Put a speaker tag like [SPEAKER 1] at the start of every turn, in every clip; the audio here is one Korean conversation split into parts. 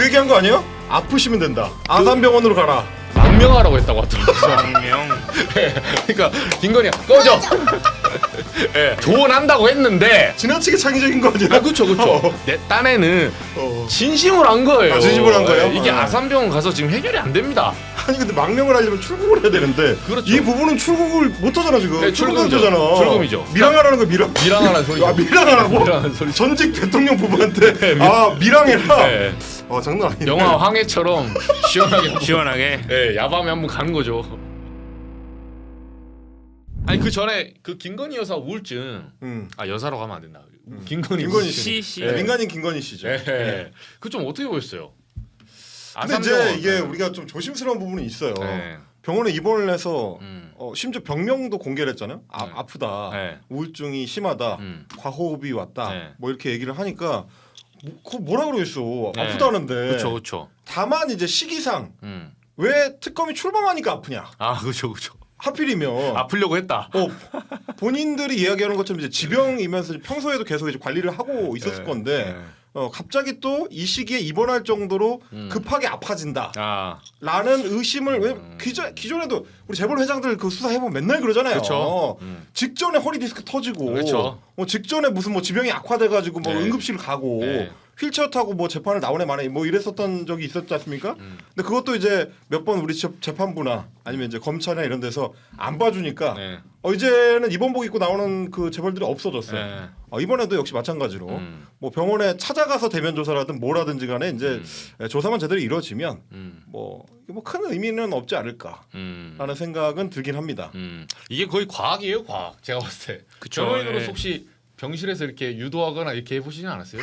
[SPEAKER 1] 그 얘기한 거 아니에요? 아프시면 된다. 아산병원으로 가라.
[SPEAKER 2] 망명하라고 했다고 하더라고요.
[SPEAKER 3] 망명.
[SPEAKER 2] 예, 그러니까 김건희가 꺼져. 예, 조언한다고 했는데.
[SPEAKER 1] 지나치게 창의적인 거 아니야?
[SPEAKER 2] 아 그렇죠. 내 딴에는 진심으로 한 거예요.
[SPEAKER 1] 아, 진심으로 한 거예요?
[SPEAKER 2] 이게 아산병원 가서 지금 해결이 안 됩니다.
[SPEAKER 1] 아니 근데 망명을 하려면 출국을 해야 되는데
[SPEAKER 2] 그렇죠.
[SPEAKER 1] 이 부분은 출국을 못 하잖아 지금.
[SPEAKER 2] 네,
[SPEAKER 1] 출국은
[SPEAKER 2] 출금이죠.
[SPEAKER 1] 되잖아.
[SPEAKER 2] 출금이죠.
[SPEAKER 1] 밀항하라는 거 밀항.
[SPEAKER 2] 밀항하라는 소리죠.
[SPEAKER 1] 아 밀항하라고?
[SPEAKER 2] 밀항하는 소리죠.
[SPEAKER 1] 전직 대통령 부부한테
[SPEAKER 2] 네,
[SPEAKER 1] 아 밀항해라.
[SPEAKER 2] 네.
[SPEAKER 1] 장난 아니네.
[SPEAKER 2] 영화 황해처럼 시원하게
[SPEAKER 3] 시원하게.
[SPEAKER 2] 예, 야밤에 한번 가는 거죠. 아니 그 전에 그 김건희 여사 우울증 아 여사라고 하면 안 된다. 김건희
[SPEAKER 1] 씨.
[SPEAKER 3] 씨.
[SPEAKER 1] 네, 민간인 김건희 씨죠.
[SPEAKER 2] 예. 그 좀 어떻게 보였어요?
[SPEAKER 1] 근데 이제 이게 우리가 좀 조심스러운 부분이 있어요.
[SPEAKER 2] 네.
[SPEAKER 1] 병원에 입원을 해서 심지어 병명도 공개를 했잖아요.
[SPEAKER 2] 네.
[SPEAKER 1] 아프다,
[SPEAKER 2] 네.
[SPEAKER 1] 우울증이 심하다, 과호흡이 왔다,
[SPEAKER 2] 네.
[SPEAKER 1] 뭐 이렇게 얘기를 하니까 그거 뭐라 그러겠어.
[SPEAKER 2] 네.
[SPEAKER 1] 아프다는데.
[SPEAKER 2] 그렇죠.
[SPEAKER 1] 다만 이제 시기상 왜 특검이 출범하니까 아프냐?
[SPEAKER 2] 아 그렇죠.
[SPEAKER 1] 하필이면
[SPEAKER 2] 아프려고 했다.
[SPEAKER 1] 본인들이 이야기하는 것처럼 이제 지병이면서 평소에도 계속 이제 관리를 하고 있었을
[SPEAKER 2] 네.
[SPEAKER 1] 건데 갑자기 또 이 시기에 입원할 정도로 급하게 아파진다.
[SPEAKER 2] 아
[SPEAKER 1] 라는 의심을 왜 기존에도 우리 재벌 회장들 그 수사 해보면 맨날 그러잖아요.
[SPEAKER 2] 그렇죠.
[SPEAKER 1] 직전에 허리 디스크 터지고,
[SPEAKER 2] 그렇죠.
[SPEAKER 1] 직전에 무슨 뭐 지병이 악화돼가지고 뭐
[SPEAKER 2] 네.
[SPEAKER 1] 응급실 가고
[SPEAKER 2] 네.
[SPEAKER 1] 휠체어 타고 뭐 재판을 나오네 마네 뭐 이랬었던 적이 있었지 않습니까? 근데 그것도 이제 몇 번 우리 재판부나 아니면 이제 검찰이나 이런 데서 안 봐주니까
[SPEAKER 2] 네.
[SPEAKER 1] 이제는 입원복 입고 나오는 그 재벌들이 없어졌어요.
[SPEAKER 2] 네.
[SPEAKER 1] 이번에도 역시 마찬가지로 뭐 병원에 찾아가서 대면 조사라든 뭐라든지 간에 이제 조사만 제대로 이루어지면 뭐 큰 의미는 없지 않을까라는 생각은 들긴 합니다.
[SPEAKER 2] 이게 거의 과학이에요, 과학. 제가 봤을 때.
[SPEAKER 3] 그쵸,
[SPEAKER 2] 변호인으로서
[SPEAKER 3] 예.
[SPEAKER 2] 혹시 병실에서 이렇게 유도하거나 이렇게 해보시진 않았어요?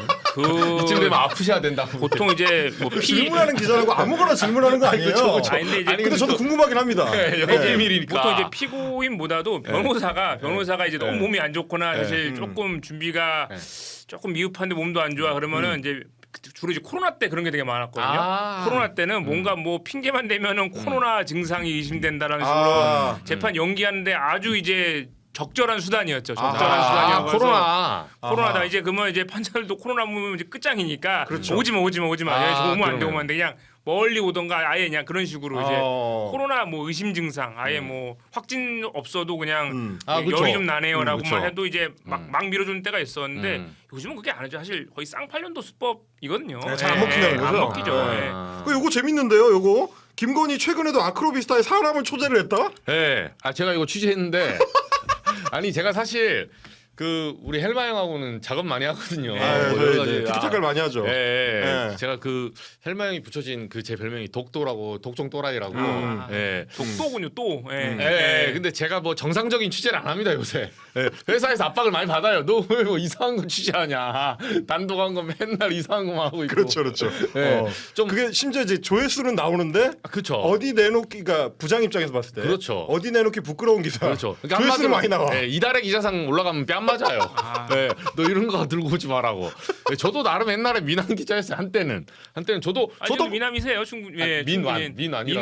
[SPEAKER 3] 그
[SPEAKER 2] 이쯤 되면 아프셔야 된다.
[SPEAKER 3] 보통 이제 뭐
[SPEAKER 1] 질문하는 기자라고 아무거나 질문하는 거 아니에요.
[SPEAKER 2] 그쵸.
[SPEAKER 3] 아니, 근데 이제
[SPEAKER 1] 근데 저도 궁금하긴 합니다.
[SPEAKER 2] 네, 영업 비밀이니까.
[SPEAKER 3] 보통 이제 피고인보다도 변호사가 이제 너무 몸이 안 좋거나 사실 조금 준비가 조금 미흡한데 몸도 안 좋아 그러면은 이제 주로 이제 코로나 때 그런 게 되게 많았거든요. 코로나 때는 뭔가 뭐 핑계만 대면은 코로나 증상이 의심된다라는 식으로 재판 연기하는데 아주 이제 적절한 수단이었죠. 적절한 수단이어서 코로나다 이제 그러면 이제 판사들도 코로나 보면 이제 끝장이니까
[SPEAKER 1] 그렇죠.
[SPEAKER 3] 오지마. 오면 안 돼.
[SPEAKER 2] 그러네.
[SPEAKER 3] 오면 안 돼. 그냥 멀리 오던가 아예 그냥 그런 식으로 이제 코로나 뭐 의심 증상 아예 뭐 확진 없어도 그냥
[SPEAKER 2] 그쵸.
[SPEAKER 3] 열이 좀 나네요라고만
[SPEAKER 2] 그쵸.
[SPEAKER 3] 해도 이제 막 밀어주는 때가 있었는데 요즘은 그게 안 하죠. 사실 거의 쌍팔년도 수법이거든요.
[SPEAKER 1] 네, 잘안 먹힌다는 거죠?
[SPEAKER 3] 안 먹히죠.
[SPEAKER 1] 요거 재밌는데요. 요거 김건희 최근에도 아크로비스타에 사람을 초대를 했다?
[SPEAKER 2] 네. 제가 이거 취재했는데 아니 제가 사실 그 우리 헬마 형하고는 작업 많이 하거든요. 뭐 여러 가지.
[SPEAKER 1] 티키타카를 많이 하죠.
[SPEAKER 2] 네. 제가 그 헬마 형이 붙여진 그 제 별명이 독도라고 독종 또라이라고.
[SPEAKER 3] 독도군요 또.
[SPEAKER 2] 근데 제가 뭐 정상적인 취재를 안 합니다 요새. 회사에서 압박을 많이 받아요. 너 왜 뭐 이상한 거 취재하냐. 단독한 거 맨날 이상한 거만 하고 있고.
[SPEAKER 1] 그렇죠.
[SPEAKER 2] 좀
[SPEAKER 1] 그게 심지어 이제 조회수는 나오는데
[SPEAKER 2] 그렇죠.
[SPEAKER 1] 어디 내놓기가 부장 입장에서 봤을 때
[SPEAKER 2] 그렇죠.
[SPEAKER 1] 어디 내놓기 부끄러운 기사.
[SPEAKER 2] 그렇죠. 그러니까
[SPEAKER 1] 조회수는 많이 나와.
[SPEAKER 2] 이달의 기자상 올라가면 뺨 맞아요. 너 이런 거 들고 오지 말라고. 저도 나름 옛날에 민환 기자였어요. 한때는 저도
[SPEAKER 3] 미남이세요 충분히.
[SPEAKER 2] 민환이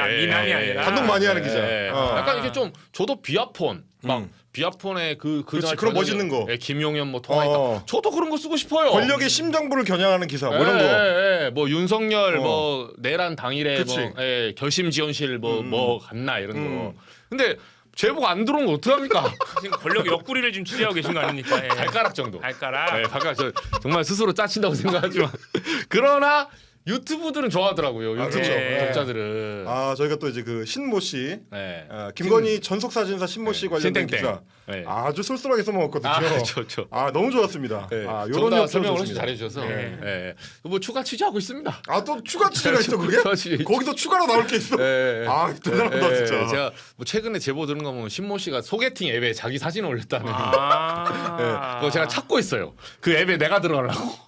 [SPEAKER 3] 아니라
[SPEAKER 1] 단독 많이 하는 기자.
[SPEAKER 2] 약간 이게 좀 저도 비아폰 막 비아폰에 그날
[SPEAKER 1] 그런 멋있는 거.
[SPEAKER 2] 김용현 뭐 통화했다. 저도 그런 거 쓰고 싶어요.
[SPEAKER 1] 권력의 심정부를 겨냥하는 기사 뭐 이런 거.
[SPEAKER 2] 뭐 윤석열 뭐 내란 당일에
[SPEAKER 1] 그치.
[SPEAKER 2] 뭐 결심 지원실 뭐 갔나 이런 거. 근데 제보가 안 들어온 거 어떡합니까?
[SPEAKER 3] 지금 권력 옆구리를 지금 취재하고 계신 거 아닙니까?
[SPEAKER 2] 발가락 정도.
[SPEAKER 3] 발가락.
[SPEAKER 2] 발가락 정말 스스로 짜친다고 생각하지만 그러나 유튜브들은 좋아하더라고요. 유튜브 독자들은.
[SPEAKER 1] 저희가 또 이제 그 신모 씨,
[SPEAKER 2] 네.
[SPEAKER 1] 김건희 전속 사진사 신모 씨 관련된
[SPEAKER 2] 신땡땡.
[SPEAKER 1] 기사
[SPEAKER 2] 네.
[SPEAKER 1] 아주 쏠쏠하게 써먹었거든요.
[SPEAKER 2] 그렇죠.
[SPEAKER 1] 너무 좋았습니다.
[SPEAKER 2] 요런
[SPEAKER 1] 요런
[SPEAKER 2] 다
[SPEAKER 1] 역
[SPEAKER 2] 설명
[SPEAKER 1] 좋습니다.
[SPEAKER 2] 훨씬 잘해주셔서 뭐 추가 취재하고 있습니다.
[SPEAKER 1] 또 추가 취재가 있어 그게?
[SPEAKER 2] 추가 취재 있죠.
[SPEAKER 1] 거기도 추가로 나올 게 있어. 대단하다 진짜.
[SPEAKER 2] 제가 뭐 최근에 제보 들은 거 보면 신모 씨가 소개팅 앱에 자기 사진 올렸다는. 그거 제가 찾고 있어요. 그 앱에 내가 들어가려고.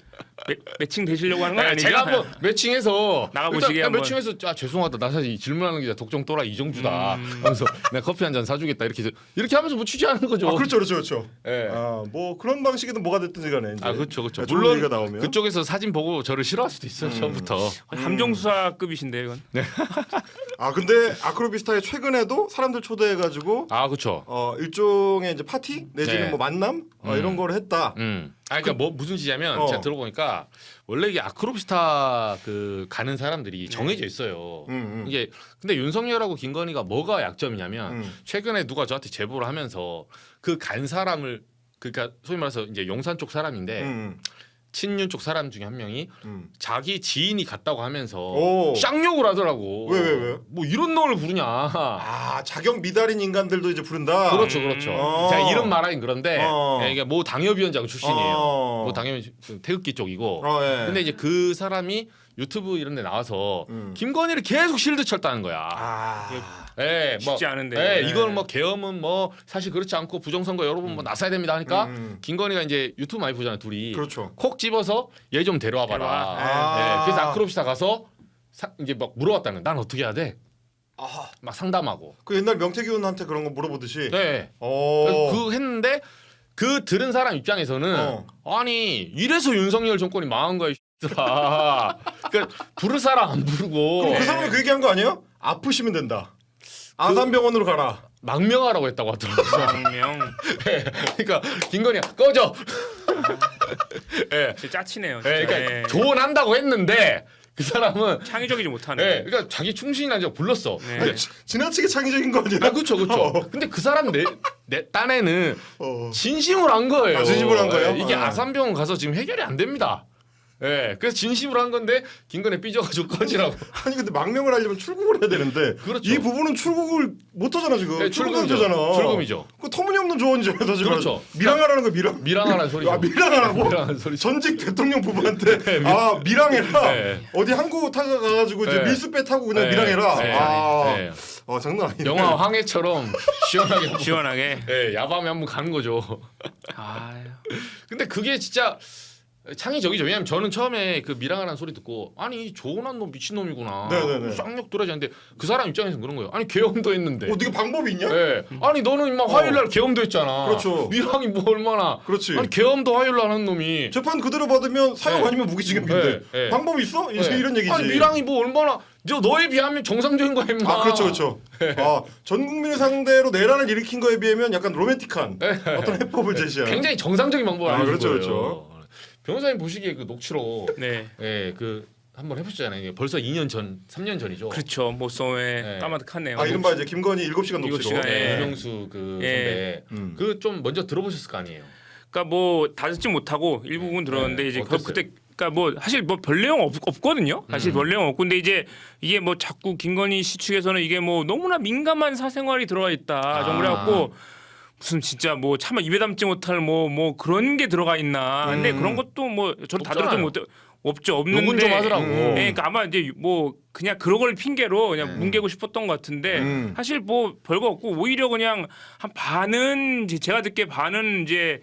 [SPEAKER 3] 매칭 되시려고 하는 건 아니죠?
[SPEAKER 2] 제가 한번 매칭해서
[SPEAKER 3] 나가보시게
[SPEAKER 2] 한번 매칭해서 죄송하다 나 사실 질문하는 기자 독종 또라 이정주다 하면서 내가 커피 한 잔 사주겠다 이렇게 하면서 뭐 취재하는 거죠.
[SPEAKER 1] 그렇죠.
[SPEAKER 2] 예.
[SPEAKER 1] 뭐 그런 방식이든 뭐가 됐든지 간에 이제
[SPEAKER 2] 그렇죠.
[SPEAKER 1] 좋은
[SPEAKER 2] 물론
[SPEAKER 1] 얘기가 나오면
[SPEAKER 2] 그쪽에서 사진 보고 저를 싫어할 수도 있어요. 처음부터.
[SPEAKER 3] 함정수사급이신데 이건.
[SPEAKER 1] 아 근데 아크로비스타에 최근에도 사람들 초대해가지고
[SPEAKER 2] 그렇죠.
[SPEAKER 1] 일종의 이제 파티 내지는
[SPEAKER 2] 네.
[SPEAKER 1] 뭐 만남 이런 거를 했다.
[SPEAKER 2] 그러니까 뭐 무슨 짓이냐면 제가 들어보니까 원래 이게 아크로비스타 그 가는 사람들이 정해져 있어요. 이게 근데 윤석열하고 김건희가 뭐가 약점이냐면 최근에 누가 저한테 제보를 하면서 그 간 사람을 그러니까 소위 말해서 이제 용산 쪽 사람인데 친윤 쪽 사람 중에 한 명이 자기 지인이 갔다고 하면서
[SPEAKER 1] 오.
[SPEAKER 2] 쌍욕을 하더라고.
[SPEAKER 1] 왜?
[SPEAKER 2] 뭐 이런 놈을 부르냐.
[SPEAKER 1] 아 자격 미달인 인간들도 이제 부른다.
[SPEAKER 2] 그렇죠. 제가 이름 말하긴 그런데
[SPEAKER 1] 어.
[SPEAKER 2] 이게 모 당협위원장 출신이에요.
[SPEAKER 1] 어.
[SPEAKER 2] 뭐 당협 태극기 쪽이고.
[SPEAKER 1] 예.
[SPEAKER 2] 근데 이제 그 사람이 유튜브 이런 데 나와서 김건희를 계속 실드 쳤다는 거야. 예,
[SPEAKER 3] 쉽지 않은데.
[SPEAKER 2] 예, 이건 뭐 계엄은 뭐 사실 그렇지 않고 부정선거 여러분 뭐 나서야 됩니다 하니까 김건희가 이제 유튜브 많이 보잖아요, 둘이.
[SPEAKER 1] 그렇죠.
[SPEAKER 2] 콕 집어서 얘 좀 데려와봐라. 예, 그래서 아크로비스타 가서 이제 막 물어봤다는. 난 어떻게 해야 돼? 막 상담하고.
[SPEAKER 1] 그 옛날 명태균한테 그런 거 물어보듯이.
[SPEAKER 2] 네. 그래서 그 했는데 그 들은 사람 입장에서는 아니 이래서 윤석열 정권이 망한 거야. 그러니까 부를 사람 안 부르고.
[SPEAKER 1] 그럼 그 사람이 그 얘기한 거 아니에요? 아프시면 된다. 아산병원으로 가라.
[SPEAKER 2] 망명하라고 했다고 하더라고요.
[SPEAKER 3] 망명.
[SPEAKER 2] 그러니까 김건희가 꺼져.
[SPEAKER 3] 진짜 짜치네요.
[SPEAKER 2] 네, 그러니까 조언한다고 했는데 그 사람은
[SPEAKER 3] 창의적이지 못하네.
[SPEAKER 2] 네, 그러니까 자기 충신이라고 불렀어.
[SPEAKER 3] 네.
[SPEAKER 2] 근데
[SPEAKER 1] 지나치게 창의적인 거 아니야?
[SPEAKER 2] 그렇죠. 근데 그 사람 내 딴에는
[SPEAKER 1] 어.
[SPEAKER 2] 진심으로 한 거예요.
[SPEAKER 1] 진심으로 한 거예요?
[SPEAKER 2] 이게
[SPEAKER 1] 어.
[SPEAKER 2] 아산병원 가서 지금 해결이 안 됩니다. 예, 그래서 진심으로 한 건데 김건희 삐져가지고 꺼지라고.
[SPEAKER 1] 아니 근데 망명을 하려면 출국을 해야 되는데
[SPEAKER 2] 그렇죠.
[SPEAKER 1] 이 부분은 출국을 못 하잖아 지금.
[SPEAKER 2] 네,
[SPEAKER 1] 출국은
[SPEAKER 2] 출금이죠.
[SPEAKER 1] 되잖아.
[SPEAKER 2] 출금이죠.
[SPEAKER 1] 그 터무니없는 조언이죠. 사실
[SPEAKER 2] 그렇죠.
[SPEAKER 1] 밀항하라는 거 밀항.
[SPEAKER 2] 밀항하라는 소리죠.
[SPEAKER 1] 밀항하라고?
[SPEAKER 2] 밀항하는 소리죠.
[SPEAKER 1] 전직 대통령 부부한테
[SPEAKER 2] 네,
[SPEAKER 1] 밀항해라.
[SPEAKER 2] 네.
[SPEAKER 1] 어디 항구 타고 가가지고 이제
[SPEAKER 2] 네.
[SPEAKER 1] 밀수배 타고 그냥
[SPEAKER 2] 네.
[SPEAKER 1] 밀항해라.
[SPEAKER 2] 네. 네.
[SPEAKER 1] 장난 아니네.
[SPEAKER 2] 영화 황해처럼 시원하게
[SPEAKER 3] 시원하게.
[SPEAKER 2] 네, 야밤에 한번 가는 거죠. 근데 그게 진짜 창의적이죠. 왜냐면 저는 처음에 그 밀항하라는 소리 듣고 아니 조은한 놈 미친놈이구나.
[SPEAKER 1] 네네네.
[SPEAKER 2] 쌍욕 들어야지 하는데 그 사람 입장에서는 그런 거예요. 아니 계엄도 했는데.
[SPEAKER 1] 네가 방법이 있냐?
[SPEAKER 2] 네. 아니 너는 임마 화요일날 계엄도 했잖아.
[SPEAKER 1] 그렇죠.
[SPEAKER 2] 밀항이 뭐 얼마나.
[SPEAKER 1] 그렇지.
[SPEAKER 2] 아니 계엄도 화요일날 하는 놈이.
[SPEAKER 1] 재판 그대로 받으면 사형
[SPEAKER 2] 네.
[SPEAKER 1] 아니면 무기징역인데
[SPEAKER 2] 네. 네.
[SPEAKER 1] 방법이 있어? 이제
[SPEAKER 2] 네.
[SPEAKER 1] 이런 얘기지.
[SPEAKER 2] 아니 밀항이 뭐 얼마나 너에 비하면 정상적인 거야 임마.
[SPEAKER 1] 그렇죠. 전 국민을 상대로 내란을 일으킨 거에 비하면 약간 로맨틱한 어떤 해법을 제시하는.
[SPEAKER 2] 굉장히 정상적인 방법을 알려준
[SPEAKER 1] 그렇죠,
[SPEAKER 2] 거예요.
[SPEAKER 1] 그렇죠.
[SPEAKER 2] 변호사님 보시기에 그 녹취록
[SPEAKER 3] 네.
[SPEAKER 2] 그 한번 해보셨잖아요. 벌써 2년 전, 3년 전이죠.
[SPEAKER 3] 그렇죠. 모성에
[SPEAKER 2] 네.
[SPEAKER 3] 까마득하네요.
[SPEAKER 1] 이른바 이제 김건희 7시간 녹취록.
[SPEAKER 3] 네.
[SPEAKER 2] 유명수 그
[SPEAKER 3] 예.
[SPEAKER 2] 선배 그 좀 먼저 들어보셨을 거 아니에요.
[SPEAKER 3] 그러니까 뭐 다 듣지 못하고 일부분 들었는데
[SPEAKER 2] 네.
[SPEAKER 3] 이제
[SPEAKER 2] 어땠어요?
[SPEAKER 3] 그때 그러니까 뭐 사실 뭐 별 내용 없거든요. 사실 별 내용 없고 근데 이제 이게 뭐 자꾸 김건희 씨 측에서는 이게 뭐 너무나 민감한 사생활이 들어가 있다. 좀 그래갖고 무슨 진짜 뭐 차마 입에 담지 못할 뭐 그런 게 들어가 있나. 근데 그런 것도 뭐 저도 다 들었던 못 없죠. 없는데.
[SPEAKER 2] 욕은 좀 하더라고.
[SPEAKER 3] 네, 그러니까 아마 이제 뭐 그냥 그런 걸 핑계로 그냥 뭉개고 싶었던 것 같은데 사실 뭐 별거 없고 오히려 그냥 한 반은 이제 제가 듣기에 반은 이제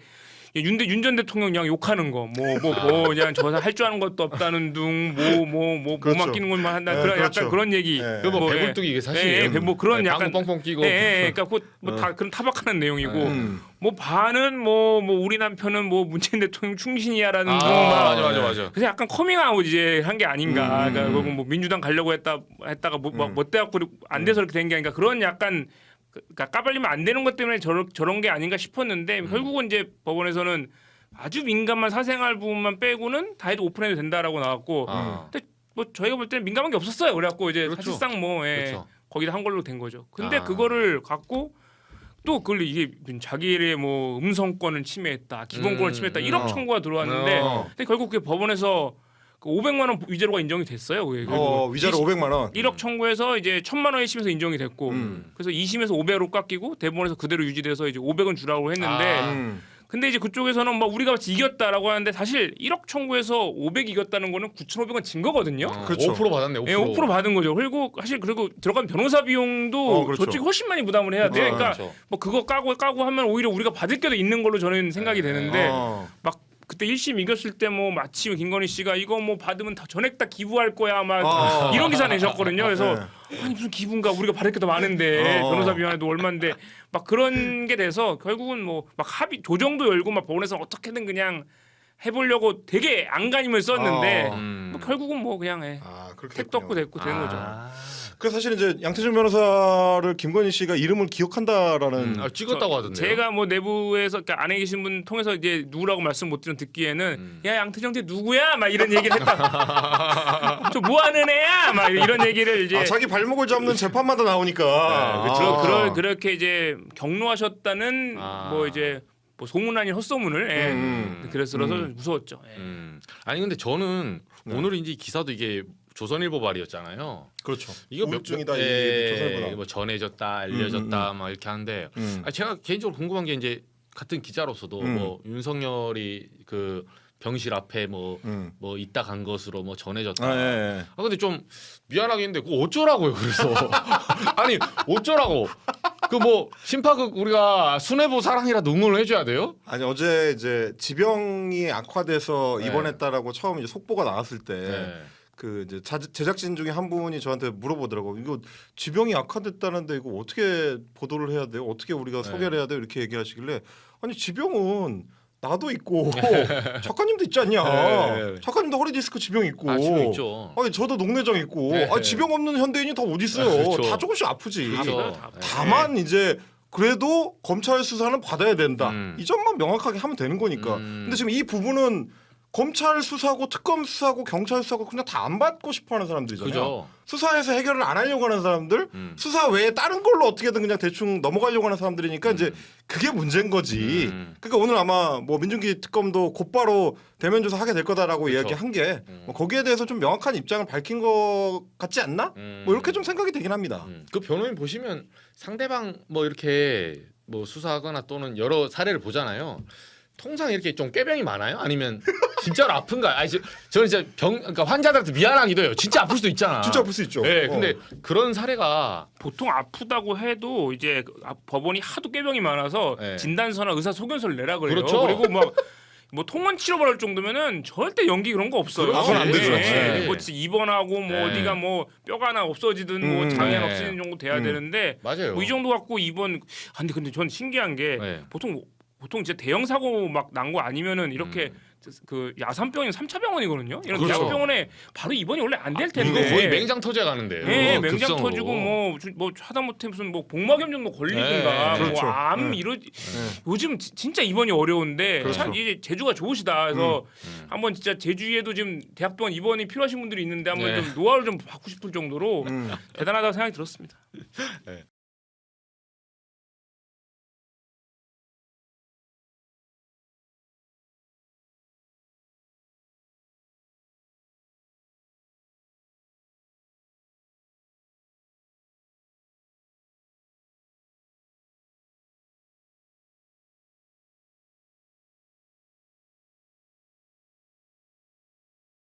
[SPEAKER 3] 윤 전 대통령 그냥 욕하는 거, 그냥 저 할 줄 아는 것도 없다는 둥, 뭐
[SPEAKER 1] 그렇죠.
[SPEAKER 3] 맡기는 것만 한다,
[SPEAKER 1] 네,
[SPEAKER 3] 그런
[SPEAKER 1] 그렇죠.
[SPEAKER 3] 약간 그런 얘기.
[SPEAKER 1] 네.
[SPEAKER 2] 그 뭐
[SPEAKER 3] 뭐,
[SPEAKER 2] 배불뚝이 이게 사실이에요.
[SPEAKER 3] 뭐 그런 약간
[SPEAKER 2] 방구 뻥뻥 끼고.
[SPEAKER 3] 그러니까 뭐다 그런 타박하는 내용이고, 뭐 반은 뭐 우리 남편은 뭐 문재인 대통령 충신이야라는 둥,
[SPEAKER 2] 맞아.
[SPEAKER 3] 그래서 약간 커밍아웃 이제 한 게 아닌가. 그러니까 뭐 민주당 가려고 했다가 뭐 때갖고 안 돼서 이렇게 된 게 아닌가. 그런 약간. 그러니까 까발리면 안 되는 것 때문에 저런 게 아닌가 싶었는데 결국은 이제 법원에서는 아주 민감한 사생활 부분만 빼고는 다 해도 오픈해도 된다라고 나왔고 근데 뭐 저희가 볼 때는 민감한 게 없었어요. 그래갖고 이제
[SPEAKER 2] 그렇죠.
[SPEAKER 3] 사실상 뭐
[SPEAKER 2] 그렇죠.
[SPEAKER 3] 거기다 한 걸로 된 거죠. 근데 그거를 갖고 또 그걸 이게 자기의 뭐 음성권을 침해했다, 기본권을 침해했다 1억 청구가 들어왔는데 근데 결국 그게 법원에서 그 500만 원 위자료가 인정이 됐어요. 그게
[SPEAKER 1] 위자료 500만 원.
[SPEAKER 3] 1억 청구해서 이제 1,000만 원 1심에서 인정이 됐고 그래서 2심에서 500으로 깎이고 대법원에서 그대로 유지돼서 이제 500은 주라고 했는데 근데 이제 그쪽에서는 막 우리가 같이 이겼다라고 하는데 사실 1억 청구해서 500 이겼다는 거는 9,500원 진 거거든요.
[SPEAKER 1] 그렇죠.
[SPEAKER 2] 5% 받았네. 5%.
[SPEAKER 3] 예, 5% 받은 거죠. 그리고 사실 그리고 들어간 변호사 비용도
[SPEAKER 1] 그렇죠.
[SPEAKER 3] 저쪽이 훨씬 많이 부담을 해야 돼요. 그러니까
[SPEAKER 2] 그렇죠.
[SPEAKER 3] 뭐 그거 까고 하면 오히려 우리가 받을 게도 있는 걸로 저는 생각이 되는데 막 그때 1심 이겼을 때 뭐 마침 김건희 씨가 이거 뭐 받으면 다 전액 다 기부할 거야 막 이런 기사 내셨거든요. 그래서 아니 무슨 기부인가 우리가 받을 게 더 많은데 변호사 비용에도 얼마인데 막 그런 게 돼서 결국은 뭐 막 합의 조정도 열고 막 법원에서 어떻게든 그냥 해보려고 되게 안간힘을 썼는데 뭐 결국은 뭐 그냥
[SPEAKER 1] 그렇게
[SPEAKER 3] 택도 없고 됐고 된 거죠.
[SPEAKER 1] 그래서 사실 이제 양태준 변호사를 김건희 씨가 이름을 기억한다라는
[SPEAKER 2] 찍었다고 하던데요.
[SPEAKER 3] 제가 뭐 내부에서 그러니까 안에 계신 분 통해서 이제 누구라고 말씀 못 드린 듣기에는 야 양태정 쟤 누구야? 막 이런 얘기를 했다. 저 뭐 하는 애야? 막 이런 얘기를 이제
[SPEAKER 1] 자기 발목을 잡는 재판마다 나오니까
[SPEAKER 3] 그렇게 이제 경로하셨다는 뭐 이제 뭐 소문 아닌 헛소문을 그래서 무서웠죠.
[SPEAKER 2] 아니 근데 저는 오늘 이제 기사도 이게 조선일보 발이었잖아요.
[SPEAKER 1] 그렇죠.
[SPEAKER 2] 이거
[SPEAKER 1] 우울증이다
[SPEAKER 2] 조선일보 뭐 전해졌다, 알려졌다 막 이렇게 하는데 제가 개인적으로 궁금한 게 이제 같은 기자로서도 뭐 윤석열이 그 병실 앞에 뭐 있다 간 것으로 뭐 전해졌다. 근데 좀 미안하게 했는데 그거 어쩌라고요? 그래서 아니 어쩌라고? 그 뭐 심파극 우리가 순애보 사랑이라도 응원을 해줘야 돼요?
[SPEAKER 1] 아니 어제 이제 지병이 악화돼서 입원했다라고 처음 이제 속보가 나왔을 때 그 이제 제작진 중에 한 분이 저한테 물어보더라고. 이거 지병이 악화됐다는데 이거 어떻게 보도를 해야 돼요? 어떻게 우리가 소개를 해야 돼요? 이렇게 얘기하시길래 아니 지병은 나도 있고 작가님도 있지 않냐? 작가님도 허리 디스크 지병 있고.
[SPEAKER 2] 지병 있죠.
[SPEAKER 1] 아니 저도 녹내장 있고. 지병 없는 현대인이 다 어디 있어요?
[SPEAKER 2] 그렇죠.
[SPEAKER 1] 다 조금씩 아프지.
[SPEAKER 2] 그렇죠.
[SPEAKER 1] 다만 이제 그래도 검찰 수사는 받아야 된다. 이 점만 명확하게 하면 되는 거니까. 근데 지금 이 부분은 검찰 수사고 특검 수사고 경찰 수사고 그냥 다 안 받고 싶어하는 사람들이잖아요.
[SPEAKER 2] 그죠.
[SPEAKER 1] 수사에서 해결을 안 하려고 하는 사람들, 수사 외에 다른 걸로 어떻게든 그냥 대충 넘어가려고 하는 사람들이니까 이제 그게 문제인 거지. 그러니까 오늘 아마 뭐 민중기 특검도 곧바로 대면 조사 하게 될 거다라고 이야기한 게 뭐 거기에 대해서 좀 명확한 입장을 밝힌 것 같지 않나? 뭐 이렇게 좀 생각이 되긴 합니다.
[SPEAKER 2] 그 변호인 보시면 상대방 뭐 이렇게 뭐 수사하거나 또는 여러 사례를 보잖아요. 통상 이렇게 좀 꾀병이 많아요? 아니면 진짜로 아픈가? 아니 저는 진짜 그러니까 환자들한테 미안하기도 해요. 진짜 아플 수도 있잖아.
[SPEAKER 1] 진짜 아플 수 있죠.
[SPEAKER 2] 네, 근데 그런 사례가
[SPEAKER 3] 보통 아프다고 해도 이제 법원이 하도 꾀병이 많아서 진단서나 의사 소견서를 내라 그래요.
[SPEAKER 2] 그렇죠.
[SPEAKER 3] 그리고 뭐 통원 치료받을 정도면은 절대 연기 그런 거 없어요.
[SPEAKER 1] 그건 안 되죠.
[SPEAKER 3] 뭐 진짜 입원하고 뭐 어디가 뭐 뼈가 하나 없어지든 뭐 장애가 없어지는 정도 돼야 되는데
[SPEAKER 2] 맞아요.
[SPEAKER 3] 뭐 이 정도 갖고 입원. 근데 전 신기한 게 보통 진짜 대형 사고 막 난 거 아니면은 이렇게 그 야산병이 3차 병원이거든요. 이런
[SPEAKER 2] 그렇죠.
[SPEAKER 3] 대학병원에 바로 입원이 원래 안 될 텐데.
[SPEAKER 2] 이거 거의 맹장 터져 가는데.
[SPEAKER 3] 네, 맹장 터지고 뭐 하다못해 무슨 뭐 복막염 정도 걸리든가
[SPEAKER 1] 그렇죠.
[SPEAKER 3] 뭐 암 요즘 진짜 입원이 어려운데 참 이제 제주가 좋으시다. 그래서 한번 진짜 제주에도 지금 대학병원 입원이 필요하신 분들이 있는데 한번 좀 노하우를 좀 받고 싶을 정도로 대단하다고 생각이 들었습니다.